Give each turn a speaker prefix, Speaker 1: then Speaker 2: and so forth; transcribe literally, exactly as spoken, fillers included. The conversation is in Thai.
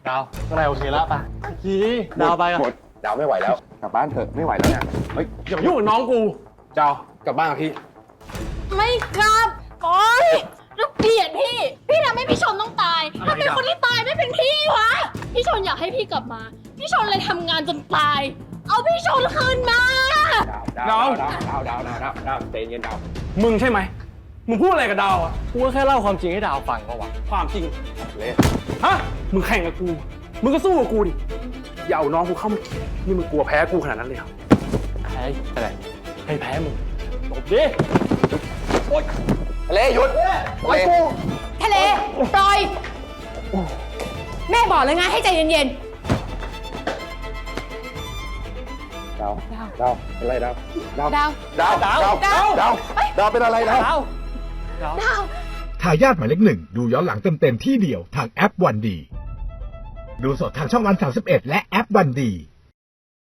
Speaker 1: ดาวอะไรโอเคแล้วป่ะกีดาวไปอ่ะ
Speaker 2: หมดดาวไม่ไหวแล้วกลับบ้านเถอะไม่ไหวแล้วเนี่ยเฮ้ย
Speaker 1: อย่ามายุ่งกับน้องกูดาวกลับบ้านกับพี่
Speaker 3: ไม่กลับโอ๊ยแล้วเกลียดพี่ พี่ทำให้พี่ชนต้องตายทำไมคนที่ตายไม่เป็นพี่วะ พี่ชนอยากให้พี่กลับมา พี่ชนเลยทำงานจนตาย เอาพี่ชนคืนมา
Speaker 2: ดาวดาวดาวดาวดาวดาวดาวใจเย็นดาว
Speaker 1: มึงใช่ไหมมึงพูดอะไรกับดาวอ่ะกูก็แค่เล่าความจริงให้ดาวฟังก็วะความจริง
Speaker 2: เละ
Speaker 1: ฮะมึงแข่งกับกูมึงก็สู้กับกูดิอย่าเอาน้องกูเข้ามาเกี่ยวนี่มึงกลัวแพ้กูขนาดนั้นเลยเหรอแพ้อะไรให้แพ้มึงตบดิโอ๊ย
Speaker 2: เละหยุด
Speaker 1: ปล่อยกู
Speaker 3: ทะเลปล่อย แม่บอกเลยไงให้ใจเย็น
Speaker 2: ดาวดาวเป็นไรดาวดาว
Speaker 3: ๆ ดาว
Speaker 2: ดาวดาวดาวดาวดาวเป็นอะไรดาว
Speaker 1: ดาว
Speaker 3: ดาว
Speaker 4: ทายาทหมายเลขหนึ่งดูย้อนหลังเต็มๆที่เดียวทางแอปวันดี ดูสดทางช่องวันสามสิบเอ็ดและแอปวันดี